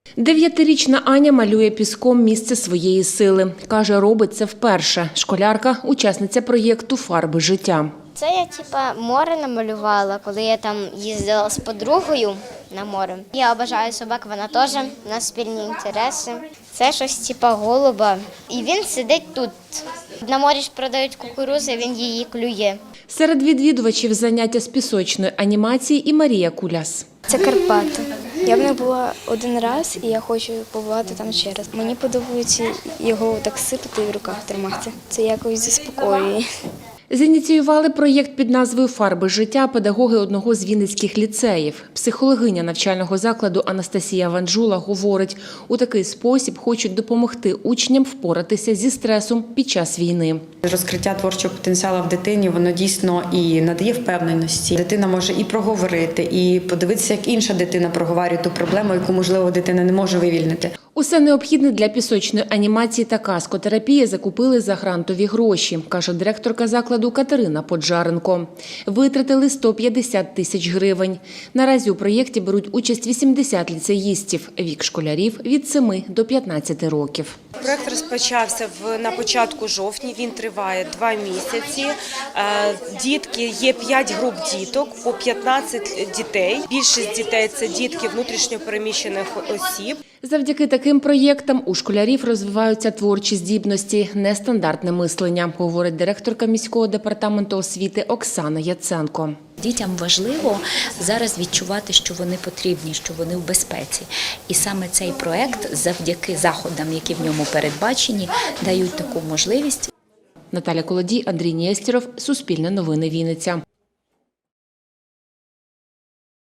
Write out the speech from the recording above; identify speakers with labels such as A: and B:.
A: 9-річна Аня малює піском місце своєї сили. Каже, робить це вперше. Школярка – учасниця проєкту «Фарби життя».
B: Це я море намалювала, коли я там їздила з подругою на море. Я обожаю собак, вона теж, у нас спільні інтереси. Це щось голуба, і він сидить тут. На морі ж продають кукурудзу, він її клює.
A: Серед відвідувачів заняття з пісочної анімації і Марія Куляс.
C: Це Карпати. Я в них була один раз і я хочу побувати там ще раз. Мені подобається його так сипати і в руках тримати. Це якось заспокоює.
A: Зініціювали проєкт під назвою «Фарби життя» педагоги одного з вінницьких ліцеїв. Психологиня навчального закладу Анастасія Ванжула говорить, у такий спосіб хочуть допомогти учням впоратися зі стресом під час війни.
D: Розкриття творчого потенціалу в дитині, воно дійсно і надає впевненості. Дитина може і проговорити, і подивитися, як інша дитина проговорює ту проблему, яку, можливо, дитина не може вивільнити.
A: Усе необхідне для пісочної анімації та каскотерапії закупили за грантові гроші, каже директорка закладу Катерина Поджаренко. Витратили 150 тисяч гривень. Наразі у проєкті беруть участь 80 ліцеїстів, вік школярів від 7 до 15 років.
E: Проєкт розпочався на початку жовтня, він триває 2 місяці. Дітки, є 5 груп діток, по 15 дітей. Більшість дітей – це дітки внутрішньо переміщених осіб.
A: Завдяки таким проєктам у школярів розвиваються творчі здібності, нестандартне мислення, говорить директорка міського департаменту освіти Оксана Яценко.
F: Дітям важливо зараз відчувати, що вони потрібні, що вони в безпеці. І саме цей проєкт, завдяки заходам, які в ньому передбачені, дають таку можливість.
A: Наталя Колодій, Андрій Нєстєров, Суспільне новини, Вінниця.